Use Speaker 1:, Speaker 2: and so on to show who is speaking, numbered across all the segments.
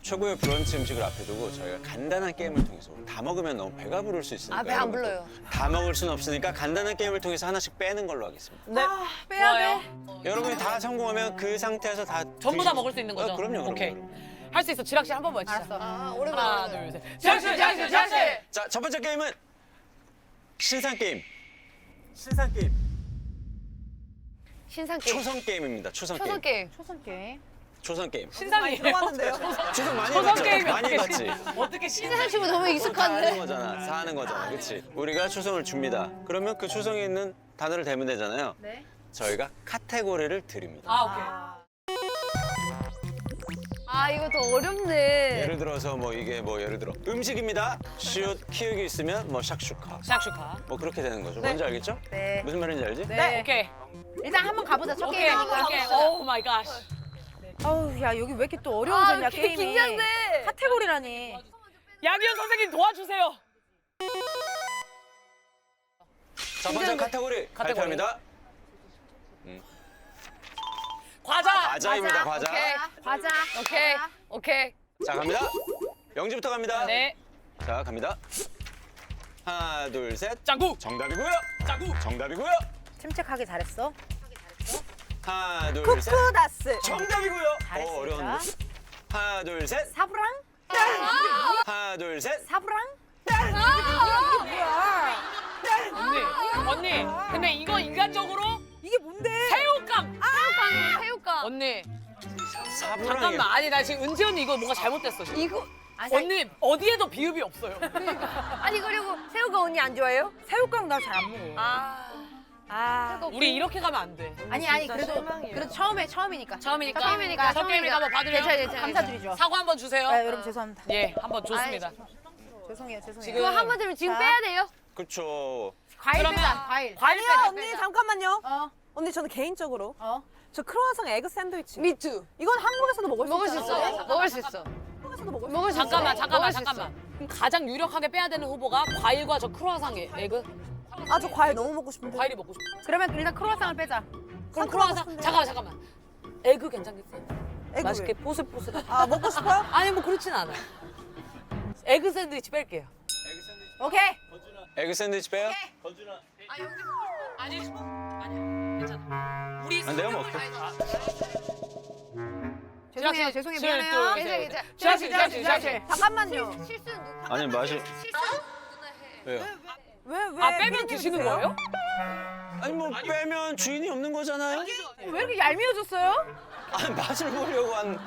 Speaker 1: 최고의 브런치 음식을 앞에 두고 저희가 간단한 게임을 통해서 다 먹으면 너무 배가 부를 수 있으니까
Speaker 2: 배 안
Speaker 1: 여러분
Speaker 2: 불러요.
Speaker 1: 또 다 먹을 수는 없으니까 간단한 게임을 통해서 하나씩 빼는 걸로 하겠습니다.
Speaker 3: 네.
Speaker 2: 빼야
Speaker 3: 좋아요.
Speaker 2: 돼.
Speaker 1: 여러분이 다 성공하면 그 상태에서 다
Speaker 3: 전부 다 먹을 수 있는 거죠?
Speaker 1: 그럼요.
Speaker 3: 오케이.
Speaker 1: 그럼요.
Speaker 3: 할 수 있어. 지락 씨 한 번만 치자.
Speaker 2: 알았어.
Speaker 3: 하나,
Speaker 2: 오랜만에.
Speaker 3: 둘, 셋. 지락 씨, 지락 씨, 지락 씨.
Speaker 1: 자, 첫 번째 게임은 신상 게임. 신상 게임.
Speaker 2: 신상 게임.
Speaker 1: 초성 게임입니다. 초성
Speaker 2: 초성
Speaker 1: 게임.
Speaker 2: 게임.
Speaker 4: 초성 게임.
Speaker 1: 초성 게임.
Speaker 3: 신상이에요.
Speaker 1: 초성 많이
Speaker 3: 초성
Speaker 1: 해봤죠?
Speaker 3: 게임이
Speaker 1: 많이
Speaker 3: 어떻게
Speaker 1: 해봤지.
Speaker 3: 어떻게
Speaker 2: 신상 치고 너무
Speaker 1: 사는
Speaker 2: 익숙한데.
Speaker 1: 거잖아. 사는 거잖아. 그렇지? 우리가 초성을 줍니다. 그러면 그 초성에 있는 단어를 대면 되잖아요.
Speaker 2: 네.
Speaker 1: 저희가 카테고리를 드립니다.
Speaker 3: 아, 오케이.
Speaker 2: 아 이거 더 어렵네.
Speaker 1: 예를 들어서 뭐 이게 뭐 예를 들어 음식입니다. 시옷 키읔이 있으면 뭐 샥슈카.
Speaker 3: 샥슈카.
Speaker 1: 뭐 그렇게 되는 거죠. 뭔지 알겠죠?
Speaker 4: 네.
Speaker 1: 무슨 말인지 알지?
Speaker 4: 네.
Speaker 3: 오케이.
Speaker 4: 일단 한번 가보자. 첫
Speaker 3: 오케이.
Speaker 4: 게임이니까.
Speaker 3: 오케이. 오 마이 갓.
Speaker 4: 아우 야 여기 왜 이렇게 또 어려워졌냐 게임이.
Speaker 2: 긴장돼.
Speaker 4: 카테고리라니.
Speaker 3: 양희연 선생님 도와주세요.
Speaker 1: 첫 번째 카테고리 발표합니다.
Speaker 3: 과자.
Speaker 1: 과자입니다. 과자.
Speaker 2: 오케이.
Speaker 4: 과자.
Speaker 2: 오케이. 오케이.
Speaker 1: 자 갑니다. 영지부터 갑니다.
Speaker 3: 네.
Speaker 1: 자 갑니다. 하나 둘 셋.
Speaker 3: 짱구.
Speaker 1: 정답이고요.
Speaker 3: 짱구.
Speaker 1: 정답이고요.
Speaker 4: 침착하게 잘했어.
Speaker 1: 하나 둘 셋.
Speaker 4: 쿠쿠다스.
Speaker 1: 정답이고요.
Speaker 4: 잘했습니다.
Speaker 1: 어려운데. 하나 둘 셋.
Speaker 4: 사브랑.
Speaker 1: 하나 둘 셋.
Speaker 4: 사브랑.
Speaker 3: 언니. 근데 이거 인간적으로
Speaker 4: 이게 뭔데?
Speaker 3: 새우깡.
Speaker 2: 새우깡.
Speaker 3: 언니.
Speaker 1: 사부랑이.
Speaker 3: 잠깐만. 아니 나 지금 은지 언니 이거 뭔가 잘못됐어. 지금.
Speaker 2: 이거
Speaker 3: 언니 어디에도 비읍이 없어요.
Speaker 2: 아니 그리고 새우깡 언니 안 좋아해요?
Speaker 4: 새우깡 나 잘 안 먹어. 아.
Speaker 3: 우리 이렇게 가면 안 돼.
Speaker 4: 아니 그래도 처음이니까.
Speaker 3: 처음이니까.
Speaker 2: 처음이니까.
Speaker 3: 첫 게임이니까 한번 받으려.
Speaker 2: 괜찮아 괜찮아.
Speaker 4: 감사드리죠.
Speaker 3: 사과 한번 주세요.
Speaker 4: 네, 여러분 죄송합니다.
Speaker 3: 예, 한번 좋습니다.
Speaker 4: 죄송해요.
Speaker 3: 지금
Speaker 2: 그거 한 번 들으면 지금
Speaker 4: 자.
Speaker 2: 빼야 돼요.
Speaker 1: 그렇죠.
Speaker 4: 과일
Speaker 3: 그러면
Speaker 4: 빼자. 과일.
Speaker 3: 과일
Speaker 5: 아니요
Speaker 3: 빼자.
Speaker 5: 언니 잠깐만요.
Speaker 4: 어.
Speaker 5: 언니 저는 개인적으로
Speaker 4: 어.
Speaker 5: 저 크로와상 에그 샌드위치.
Speaker 2: 미투.
Speaker 5: 이건 한국에서도 먹을 수
Speaker 2: 먹을 수
Speaker 5: 있잖아요.
Speaker 2: 있어. 먹을 수 있어.
Speaker 5: 한국에서도 먹을 수
Speaker 2: 먹을 수 있어.
Speaker 3: 잠깐만.
Speaker 2: 먹을 수 있어.
Speaker 3: 그럼 가장 유력하게 빼야 되는 후보가 과일과 저 크루아상 에그.
Speaker 5: 있어. 아저 과일 너무 먹고 싶은데.
Speaker 3: 과일이 먹고 싶어.
Speaker 4: 그러면 일단 크로와상을 빼자.
Speaker 3: 그럼 크루아상. 잠깐만. 에그 괜찮겠어요?
Speaker 5: 에그
Speaker 3: 맛있게
Speaker 5: 왜?
Speaker 3: 포슬포슬.
Speaker 5: 아 먹고 싶어요?
Speaker 3: 아니 뭐 그렇진 않아요. 에그 샌드위치 뺄게요.
Speaker 4: 오케이.
Speaker 1: 에그 샌드위치 빼요?
Speaker 3: 아니 괜찮아. 우리
Speaker 1: 아, 내가 먹을게.
Speaker 4: 죄송해요.
Speaker 3: 둘,
Speaker 4: 미안해요.
Speaker 3: 둘,
Speaker 2: 괜찮아 괜찮아.
Speaker 3: 지라씨.
Speaker 4: 잠깐만요.
Speaker 2: 실수는 누가
Speaker 1: 아니 맛이
Speaker 2: 실수 누나 해.
Speaker 1: 왜요?
Speaker 5: 왜?
Speaker 3: 아 빼면 드시는 거예요?
Speaker 1: 아니 뭐 빼면 주인이 없는 거잖아요.
Speaker 4: 왜 이렇게 얄미워졌어요?
Speaker 1: 아니 맛을 보려고 한.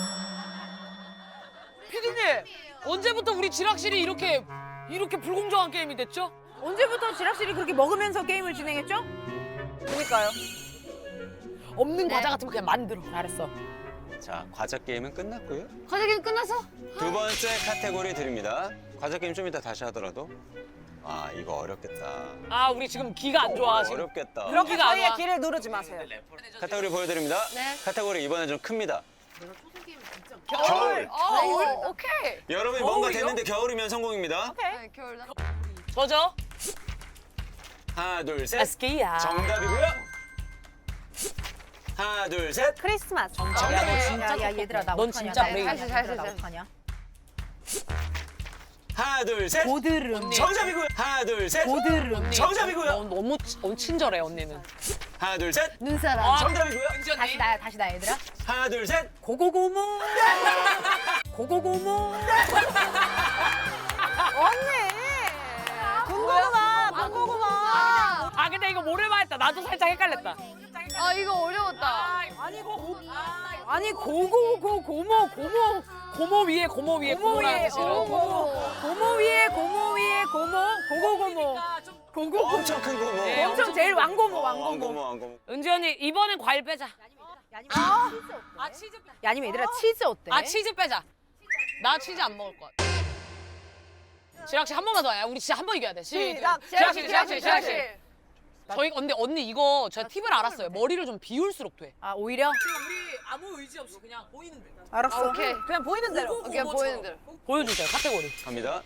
Speaker 3: 피디님 언제부터 우리 지락실이 이렇게 불공정한 게임이 됐죠?
Speaker 4: 언제부터 지락실이 그렇게 먹으면서 게임을 진행했죠?
Speaker 5: 그러니까요.
Speaker 3: 없는 과자 같으면 그냥 만들어.
Speaker 4: 잘했어.
Speaker 1: 자 과자 게임은 끝났고요.
Speaker 2: 과자 게임 끝났어?
Speaker 1: 두 번째 카테고리 드립니다. 과자 게임 좀 이따 다시 하더라도. 아 이거 어렵겠다.
Speaker 3: 아 우리 지금 기가 안 좋아 지금.
Speaker 1: 어렵겠다.
Speaker 5: 그렇게
Speaker 3: 여기가 안
Speaker 5: 저희의
Speaker 3: 와.
Speaker 5: 길을 누르지 마세요.
Speaker 1: 카테고리 보여드립니다.
Speaker 2: 네.
Speaker 1: 카테고리 이번엔 좀 큽니다.
Speaker 3: 겨울.
Speaker 2: 오케이.
Speaker 1: 여러분이 뭔가
Speaker 3: 겨울이요?
Speaker 1: 됐는데 겨울이면 성공입니다.
Speaker 2: 네, 겨울 나.
Speaker 3: 저죠?
Speaker 1: 하나 둘 셋.
Speaker 3: 에스키야.
Speaker 1: 정답이고요. 하나 둘 셋.
Speaker 5: 크리스마스.
Speaker 1: 정답이에요.
Speaker 4: 야 얘들아 나
Speaker 3: 넌
Speaker 4: 어떡하냐.
Speaker 3: 진짜
Speaker 4: 나
Speaker 3: 브레이크.
Speaker 4: 어떡하냐.
Speaker 2: 잘했어,
Speaker 4: 나
Speaker 2: 잘했어.
Speaker 4: 어떡하냐.
Speaker 1: 하나 둘 셋.
Speaker 4: 고드름.
Speaker 1: 정답이고요. 하나 둘 셋.
Speaker 4: 고드름.
Speaker 1: 정답이고요.
Speaker 3: 너무 친절해 언니는.
Speaker 1: 하나 둘 셋.
Speaker 2: 눈사람.
Speaker 1: 정답이고요.
Speaker 4: 다시 나 얘들아.
Speaker 1: 하나 둘 셋.
Speaker 4: 고고고모. 고고고모.
Speaker 5: 군고구마.
Speaker 3: 아 근데 이거 모를만 했다. 나도 살짝 헷갈렸다.
Speaker 2: 아 이거 어려웠다.
Speaker 4: 아니 고고고모
Speaker 3: 고모 위에 고모라는 뜻이에요.
Speaker 4: 고모 위에 고고고모. 고고고모.
Speaker 1: 엄청 큰 고모.
Speaker 3: 네,
Speaker 4: 엄청 제일 왕고모
Speaker 1: 왕고모 왕고모.
Speaker 3: 은지 언니 이번엔 과일 빼자. 아 치즈 빼자.
Speaker 4: 야 아니면 얘들아 치즈 어때?
Speaker 3: 아 치즈 빼자. 나 치즈 안 먹을 것 같아. 지락씨 한 번만 더 해. 우리 진짜 한 번 이겨야 돼. 지락씨. 저희 근데 언니 이거 제가 팁을 알았어요. 머리를 좀 비울수록 돼.
Speaker 4: 아 오히려?
Speaker 3: 우리 아무 의지 없이 그냥 보이는 대로.
Speaker 4: 알았어.
Speaker 2: 오케이.
Speaker 5: 그냥 보이는 대로.
Speaker 2: 오케이 보이는 대로.
Speaker 3: 보여주세요 카테고리.
Speaker 1: 갑니다.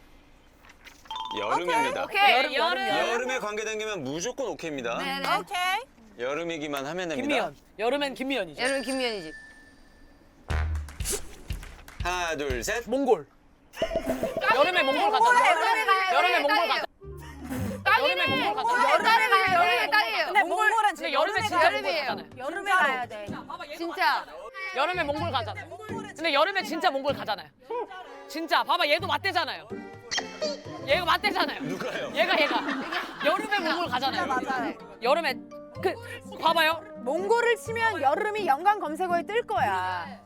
Speaker 1: 여름입니다.
Speaker 2: 오케이.
Speaker 1: 여름에 관계된다면 무조건 오케이입니다.
Speaker 2: 네네.
Speaker 5: 오케이.
Speaker 1: 여름이기만 하면 됩니다.
Speaker 3: 김미연. 여름엔 김미연이죠.
Speaker 2: 여름 김미연이지.
Speaker 1: 하나, 둘, 셋.
Speaker 3: 몽골. 여름에 몽골 가자. 여름에 몽골 가자. 여름에 몽골 가자.
Speaker 2: 여름에 가요. 여름에 땅이에요.
Speaker 5: 근데 몽골은
Speaker 3: 근데
Speaker 5: 지금
Speaker 3: 여름에 진짜 몽골
Speaker 2: 여름이에요.
Speaker 3: 가잖아요.
Speaker 4: 여름에 가야 돼.
Speaker 2: 진짜.
Speaker 3: 여름에 몽골 가잖아요. 근데 여름에 진짜 몽골 가잖아요. 진짜 봐봐 얘도 맞대잖아요. 얘가 맞대잖아요.
Speaker 1: 누가요?
Speaker 3: 얘가 여름에 몽골 가잖아요.
Speaker 5: 맞아요.
Speaker 3: 여름에 그 봐봐요.
Speaker 4: 몽골을 치면 여름이 연관 검색어에 뜰 거야.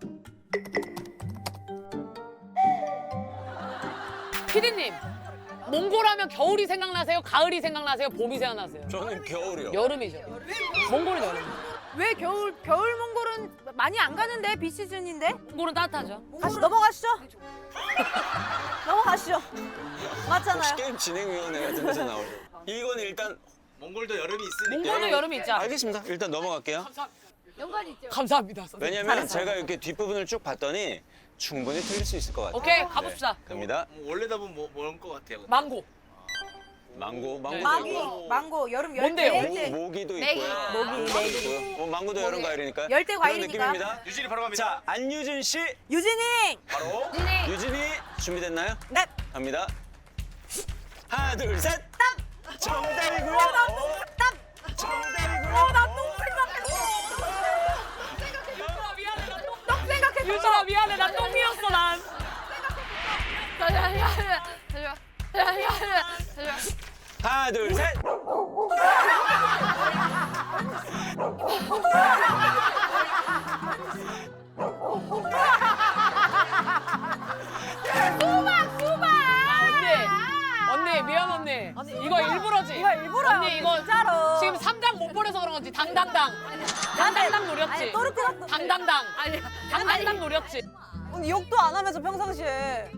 Speaker 3: 피디님 몽골 하면 겨울이 생각나세요? 가을이 생각나세요? 봄이 생각나세요?
Speaker 1: 저는 겨울이요.
Speaker 3: 여름이죠. 몽골은 여름.
Speaker 4: 왜 겨울 몽골은 많이 안 가는데 비시즌인데?
Speaker 3: 몽골은 따뜻하죠.
Speaker 5: 다시 넘어가시죠. 넘어가시죠.
Speaker 1: 혹시
Speaker 5: 맞잖아요.
Speaker 1: 게임 진행위원회 같은 데서 나오죠? 이건 일단
Speaker 6: 몽골도 여름이 있으니까.
Speaker 3: 몽골도 여름이 있지 않아요?
Speaker 1: 알겠습니다. 일단 넘어갈게요.
Speaker 2: 연관이 있죠.
Speaker 3: 감사합니다. 선생님.
Speaker 1: 왜냐면 제가 이렇게 뒷부분을 쭉 봤더니 충분히 틀릴 수 있을 것 같아요.
Speaker 3: 오케이 가봅시다.
Speaker 1: 갑니다.
Speaker 6: 원래다 보면 뭐런 것 같아요. 근데.
Speaker 3: 망고.
Speaker 1: 망고,
Speaker 3: 네.
Speaker 4: 망고 여름
Speaker 3: 뭔데요?
Speaker 4: 열대.
Speaker 1: 모기도
Speaker 2: 메기.
Speaker 1: 있고요.
Speaker 4: 모기,
Speaker 1: 망고도 있고요. 망고도 여름 과일이니까.
Speaker 4: 열대
Speaker 1: 그런
Speaker 4: 과일이니까.
Speaker 1: 느낌입니다.
Speaker 6: 유진이 바로 갑니다.
Speaker 1: 자, 안유진 씨
Speaker 5: 유진이.
Speaker 6: 바로.
Speaker 1: 유진이 준비됐나요?
Speaker 5: 네.
Speaker 1: 갑니다. 하나, 둘, 셋. 정답이고요. 정답이고요.
Speaker 3: 유진아 미안해 나 똥이었어 난.
Speaker 2: 잠시만.
Speaker 1: 하나, 둘, 셋.
Speaker 3: 언니 미안 언니. 이거 일부러지.
Speaker 5: 이거 일부러야,
Speaker 3: 언니 이거
Speaker 5: 진짜로.
Speaker 3: 지금 3장 못 보내서 그런 거지. 당당당. 당당당 노렸지.
Speaker 5: 아니, 또르트났어.
Speaker 3: 당당당. 당당당 노렸지.
Speaker 5: 언니 욕도 안 하면서 평상시에.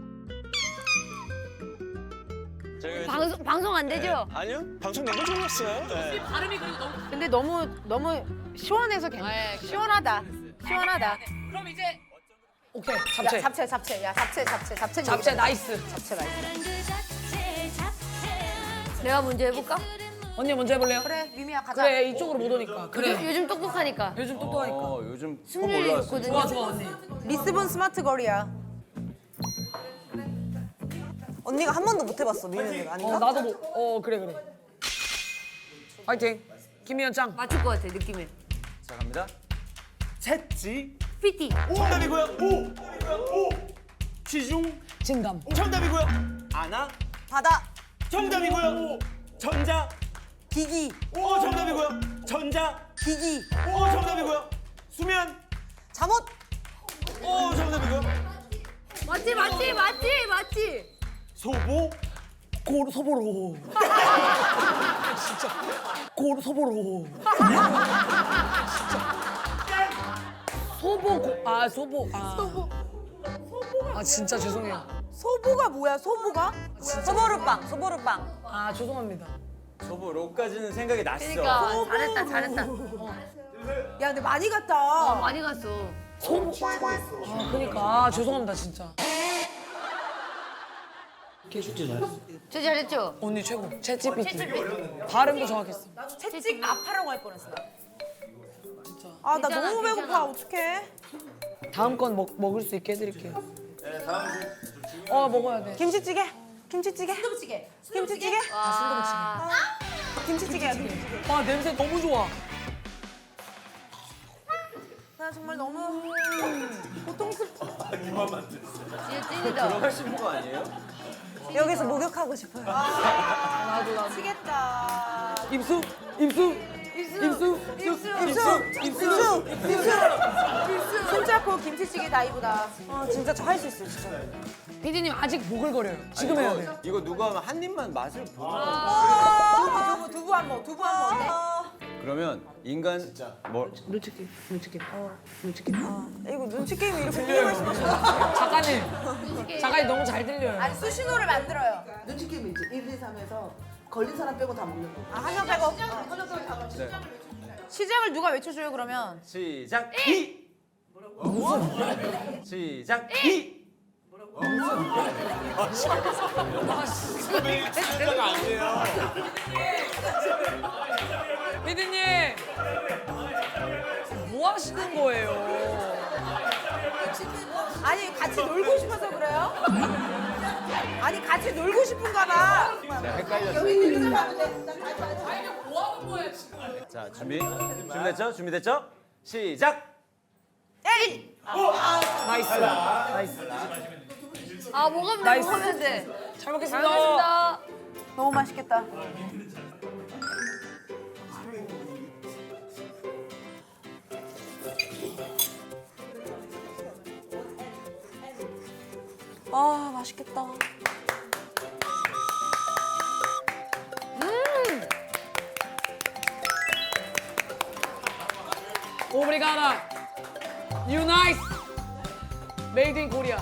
Speaker 1: 저희
Speaker 2: 방송 안 되죠?
Speaker 1: 아니요. 방송 너무 좋았어요. 네.
Speaker 3: 발음이 그리고 너무.
Speaker 4: 근데 너무 시원해서
Speaker 3: 네, 그래.
Speaker 4: 시원하다. 시원하다.
Speaker 3: 그럼 이제 오케이
Speaker 4: 야, 잡채. 야, 잡채.
Speaker 3: 잡채 나이스.
Speaker 4: 잡채 맛있어.
Speaker 2: 내가 먼저 해볼까?
Speaker 3: 언니 먼저 해볼래요?
Speaker 4: 그래, 미미야 가자.
Speaker 3: 그래 이쪽으로 못 오니까. 그래.
Speaker 2: 요즘 똑똑하니까.
Speaker 3: 요즘 똑똑하니까.
Speaker 1: 요즘
Speaker 2: 승률이 있거든요.
Speaker 3: 좋아 좋아 언니.
Speaker 4: 리스본 스마트 거리야.
Speaker 5: 언니가 한 번도 못 해봤어 미는 아닌가?
Speaker 3: 나도 뭐. 그래. 파이팅. 김희연 짱.
Speaker 2: 맞출 것 같아 느낌에.
Speaker 6: 자 갑니다.
Speaker 1: 셋지.
Speaker 2: PT.
Speaker 6: 정답이고요. 오. 지중.
Speaker 3: 진감.
Speaker 6: 정답이고요. 아나.
Speaker 5: 바다.
Speaker 6: 정답이고요. 전자.
Speaker 5: 기기.
Speaker 6: 오 정답이고요. 전자.
Speaker 5: 기기.
Speaker 6: 오 정답이고요. 수면.
Speaker 5: 잠옷.
Speaker 6: 오 정답이고요.
Speaker 2: 맞지.
Speaker 6: 소보.
Speaker 3: 소보로. 진짜. 소보로. 소보. 진짜 죄송해요.
Speaker 4: 소보가 뭐야? 소보가?
Speaker 5: 소보루빵.
Speaker 3: 아 죄송합니다.
Speaker 6: 소보로까지는 생각이 났어.
Speaker 2: 그러니까 잘했다.
Speaker 4: 야, 근데 많이 갔다.
Speaker 2: 많이 갔어.
Speaker 3: 그러니까 죄송합니다 진짜.
Speaker 2: 저 잘했죠?
Speaker 3: 언니 최고. 챗GPT. 발음도 정확했어.
Speaker 4: 채찍 아파라고 할 뻔했어. 나.
Speaker 5: 아 나
Speaker 2: 괜찮아,
Speaker 5: 너무 배고파.
Speaker 2: 괜찮아.
Speaker 5: 어떡해?
Speaker 3: 다음 건 먹을 수 있게 해드릴게요.
Speaker 6: 네 다음.
Speaker 3: 먹어야 돼.
Speaker 5: 김치찌개.
Speaker 4: 순두부찌개.
Speaker 5: 김치찌개.
Speaker 3: 아,
Speaker 5: 김치찌개야.
Speaker 3: 와 냄새 너무 좋아.
Speaker 5: 나 정말 너무 고통스럽다.
Speaker 2: 진짜 찐이다.
Speaker 6: 하신 거 아니에요?
Speaker 5: 여기서 목욕하고 싶어요.
Speaker 3: 나도.
Speaker 5: 미치겠다.
Speaker 3: 입수.
Speaker 4: 손잡고 김치찌개 다이브다.
Speaker 5: 아 진짜 저 할 수 있어요 진짜.
Speaker 3: 피디님 아직 보글거려요. 지금 해야 돼요.
Speaker 1: 이거 누가 하면 한 입만 맛을 보는
Speaker 4: 두부 한 번. 두부 한 번. 어때?
Speaker 1: 그러면 인간 뭐
Speaker 3: 눈치 게임.
Speaker 5: 이거 눈치 게임이 이렇게 게임할 수 있어.
Speaker 3: 작가님 너무 잘 들려요.
Speaker 4: 아니, 수신호를 만들어요.
Speaker 7: 눈치 게임이지. 1, 2, 3에서 걸린 사람 빼고 다 먹는 거.
Speaker 4: 아, 한 명 빼고. 시작을 누가 외쳐줘요, 그러면?
Speaker 6: 시작. 이. 시작. 이.
Speaker 3: 피디님 뭐 하시는 거예요?
Speaker 4: 아니 같이 놀고 싶어서 그래요? 아니 같이 놀고 싶은가 봐.
Speaker 6: 자, 준비됐죠? 준비됐죠? 시작!
Speaker 2: 아 먹으면 돼 먹으면 돼.
Speaker 3: 잘 먹겠습니다.
Speaker 2: 알겠습니다.
Speaker 4: 너무 맛있겠다.
Speaker 5: 아, 맛있겠다.
Speaker 3: 오브리가다. You nice. Made in Korea.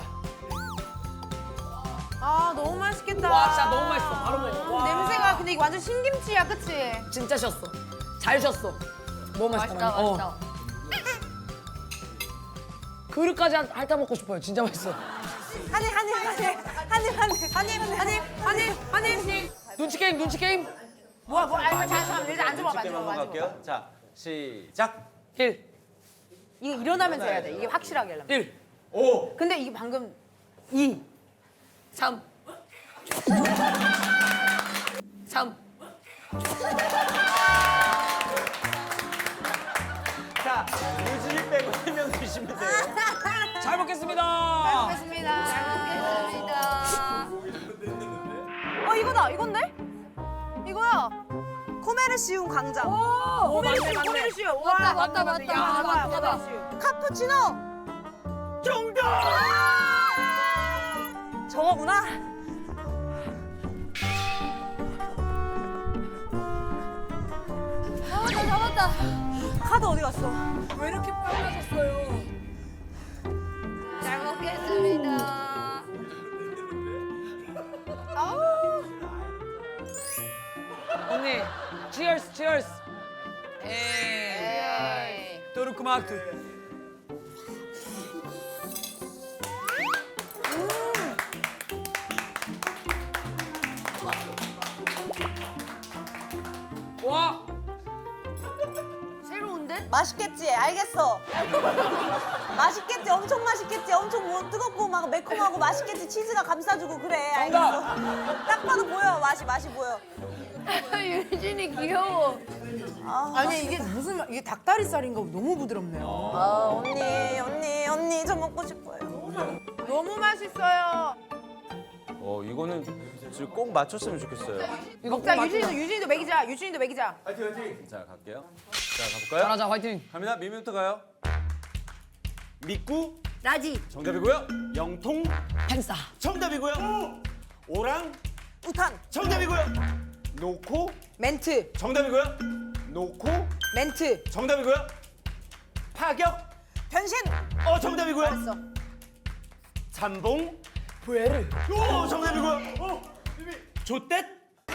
Speaker 4: 아 너무 맛있겠다.
Speaker 3: 와 진짜 너무 맛있어. 바로 먹어. 와.
Speaker 4: 냄새가 근데 이거 완전 신김치야, 그치?
Speaker 3: 진짜 쉬었어. 잘 쉬었어. 너무 맛있다.
Speaker 2: 맛있다.
Speaker 3: 그릇까지 핥아 먹고 싶어요. 진짜 맛있어.
Speaker 4: 한입.
Speaker 3: 눈치 게임, 눈치 게임.
Speaker 4: 뭐야 아니 잠시만 일단 앉아봐.
Speaker 6: 게임 한번 갈게요. 자, 시작!
Speaker 3: 1,
Speaker 4: 이거 일어나면서 해야 돼. 이게 확실하게 하려면.
Speaker 3: 1,
Speaker 6: 5!
Speaker 4: 근데 이게 방금
Speaker 3: 3. 3.
Speaker 6: 자, 유진이 빼고 1명 드시면 돼요.
Speaker 3: 잘 먹겠습니다.
Speaker 2: 먹겠습니다. 잘 먹겠습니다.
Speaker 5: 이거다. 이건데? 이거야. 코메르시움 광장.
Speaker 3: 오, 맞네, 맞네.
Speaker 4: 코메르시오.
Speaker 2: 맞다,
Speaker 4: 와,
Speaker 2: 맞다, 맞다.
Speaker 4: 야,
Speaker 2: 맞다,
Speaker 4: 맞다.
Speaker 2: 맞다.
Speaker 5: 카푸치노.
Speaker 6: 정답!
Speaker 5: 저거구나.
Speaker 2: 잡았다.
Speaker 5: 카드 어디 갔어?
Speaker 3: 왜 이렇게 빨라졌어요?
Speaker 2: 잘 먹겠습니다.
Speaker 3: 언니, cheers, cheers. 에이,
Speaker 2: 에이.
Speaker 3: 도르크마트. 와,
Speaker 2: 새로운데?
Speaker 5: 맛있겠지? 알겠어. 맛있겠지? 엄청 맛있겠지? 엄청 뭐 뜨겁고 막 매콤하고 맛있겠지? 치즈가 감싸주고 그래. 알겠어. 딱 봐도 보여. 맛이 보여.
Speaker 2: 유진이 귀여워.
Speaker 4: 아니 이게 무슨 이게 닭다리살인가 너무 부드럽네요.
Speaker 5: 아, 언니 저 먹고 싶어요.
Speaker 4: 너무 맛있어요.
Speaker 6: 이거는 지금 꼭 맞췄으면 좋겠어요.
Speaker 3: 이거
Speaker 4: 자
Speaker 3: 꼭
Speaker 4: 유진이도 먹이자. 유진이도 먹이자.
Speaker 6: 자, 갈게요. 자, 가볼까요?
Speaker 3: 잘하자, 화이팅.
Speaker 6: 갑니다. 미미부터 가요. 미꾸
Speaker 2: 라지.
Speaker 6: 정답이고요. 영통
Speaker 3: 펜사.
Speaker 6: 정답이고요. 오랑
Speaker 5: 우탄.
Speaker 6: 정답이고요. 노코
Speaker 4: 멘트.
Speaker 6: 정답이고요. 노코
Speaker 4: 멘트.
Speaker 6: 정답이고요. 파격
Speaker 5: 변신.
Speaker 6: 정답이고요.
Speaker 5: 알았어.
Speaker 6: 잠봉
Speaker 3: 부에르.
Speaker 6: 정답이고요. 조댓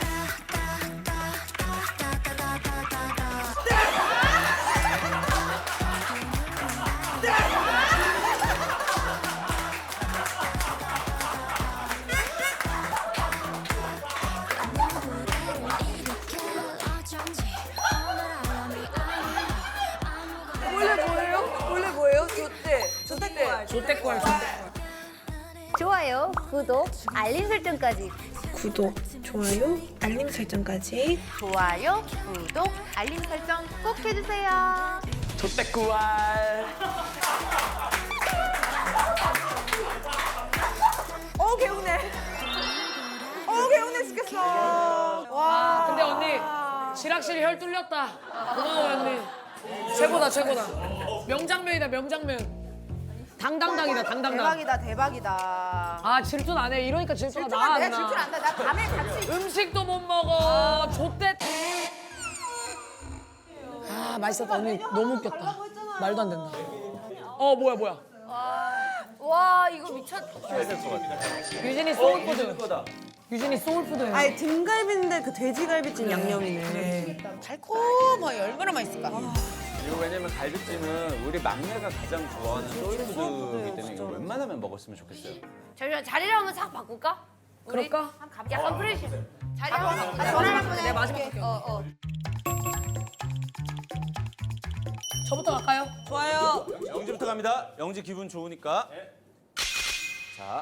Speaker 5: 원래 뭐예요? 조대. 조대꼴.
Speaker 3: 조떼꼴.
Speaker 2: 좋아요, 구독, 알림 설정까지.
Speaker 8: 구독, 좋아요, 알림 설정까지.
Speaker 2: 좋아요, 구독, 알림 설정 꼭 해주세요.
Speaker 6: 조댓구알
Speaker 5: 개운해. 개운해 죽겠어.
Speaker 3: 와, 근데 언니, 지락실이 혈 뚫렸다. 고마워, 언니. 최고다, 최고다. 명장면이다, 명장면. 당당당이다, 당당당.
Speaker 4: 대박이다.
Speaker 3: 아, 질투 안 해. 이러니까 질투가 나, 안
Speaker 4: 내가
Speaker 3: 나.
Speaker 4: 질투 안다. 나 밤에 같이
Speaker 3: 음식도 못 먹어. 좆대. 아, 맛있었다. 언니 너무 웃겼다. 말도 안 된다. 뭐야.
Speaker 2: 와, 이거 미쳤다.
Speaker 3: 유진이 소울푸드. 유진이 소울푸드예요.
Speaker 5: 아니 등갈비인데 그 돼지갈비찜 양념이네.
Speaker 4: 달콤하게 얼마나 맛있을까.
Speaker 6: 이거 왜냐면 갈비찜은 우리 막내가 가장 좋아하는 소울푸드이기 때문에 이거 웬만하면 먹었으면 좋겠어요.
Speaker 2: 잠시만, 자리를 한번 싹 바꿀까? 우리?
Speaker 3: 그럴까?
Speaker 2: 약간 프레시. 자리 한번 바꿔. 전화 한번 해.
Speaker 3: 내 마지막 할게요. 저부터 갈까요?
Speaker 5: 좋아요.
Speaker 6: 영지부터 갑니다. 영지 기분 좋으니까. 자.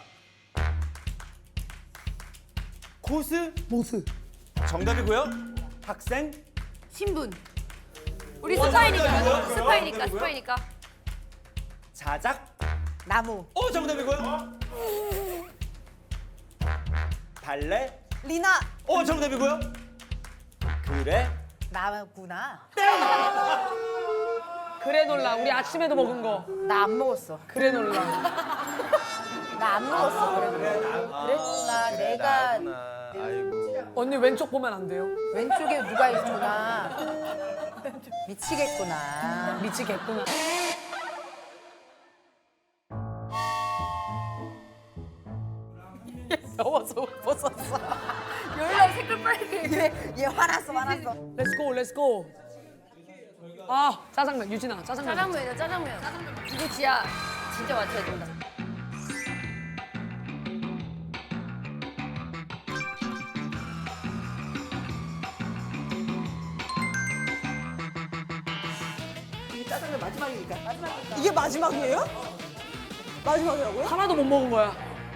Speaker 6: 코스?
Speaker 3: 모스.
Speaker 6: 정답이고요. 학생?
Speaker 2: 신분. 우리 스파이니까. 스파이니까. 스파이니까.
Speaker 6: 자작?
Speaker 4: 나무.
Speaker 6: 정답이고요. 발레?
Speaker 5: 리나.
Speaker 6: 정답이고요. 그래?
Speaker 4: 나구나.
Speaker 3: 그래놀라. 우리 아침에도 먹은 거.
Speaker 4: 나 안 먹었어.
Speaker 3: 그래놀라.
Speaker 4: 나 안 먹었어. 그랬구나. 내가
Speaker 6: 아이고.
Speaker 3: 언니 왼쪽 보면 안 돼요?
Speaker 4: 왼쪽에 누가 있구나. 미치겠구나.
Speaker 3: 미치겠구나. 더워서 못 벗었어.
Speaker 2: 열나 색깔 빨개.
Speaker 4: 얘 화났어, 화났어.
Speaker 3: 렛츠고 렛츠고. 아 짜장면 유진아 짜장면.
Speaker 2: 짜장면이다 짜장면. 이거 진짜 맞춰야 된다.
Speaker 7: 이게 짜장면 마지막이니까.
Speaker 5: 이게 마지막이에요? 마지막이라고요?
Speaker 3: 하나도 못 먹은 거야.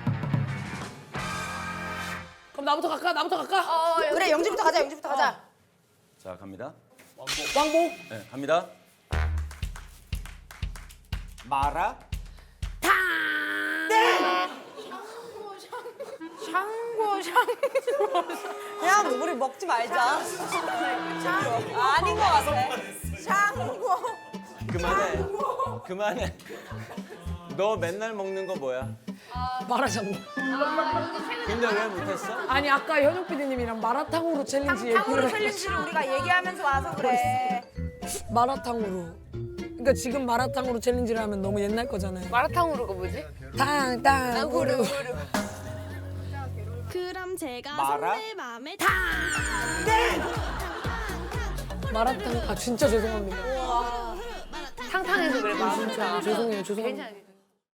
Speaker 3: 그럼 나부터 갈까? 나부터 갈까?
Speaker 4: 그래, 영지부터 가자, 영지부터 가자.
Speaker 6: 자, 갑니다.
Speaker 3: 왕복.
Speaker 6: 네, 갑니다. 마라?
Speaker 5: 그냥 우리 먹지 말자. 아닌 것 같아. 샹궈.
Speaker 1: 그만해. 그만해. 너 맨날 먹는 거 뭐야?
Speaker 3: 마라샹궈.
Speaker 1: 근데 왜 못했어?
Speaker 3: 아니 아까 현욱 PD님이랑 마라탕으로 챌린지
Speaker 4: 탕후루
Speaker 3: 얘기를
Speaker 4: 챌린지를 우리가 얘기하면서 와서 그래.
Speaker 3: 마라탕으로. 그러니까 지금 마라탕으로 챌린지를 하면 너무 옛날 거잖아요.
Speaker 2: 마라탕으로가 뭐지?
Speaker 3: 탕탕후루.
Speaker 9: 그럼 제가
Speaker 6: 마라?
Speaker 9: 선배 맘에
Speaker 3: 마라탕. 아 진짜 죄송합니다.
Speaker 2: 탕탕해서 그래.
Speaker 3: 진짜 죄송해요. 죄송합니다.
Speaker 2: 괜찮아.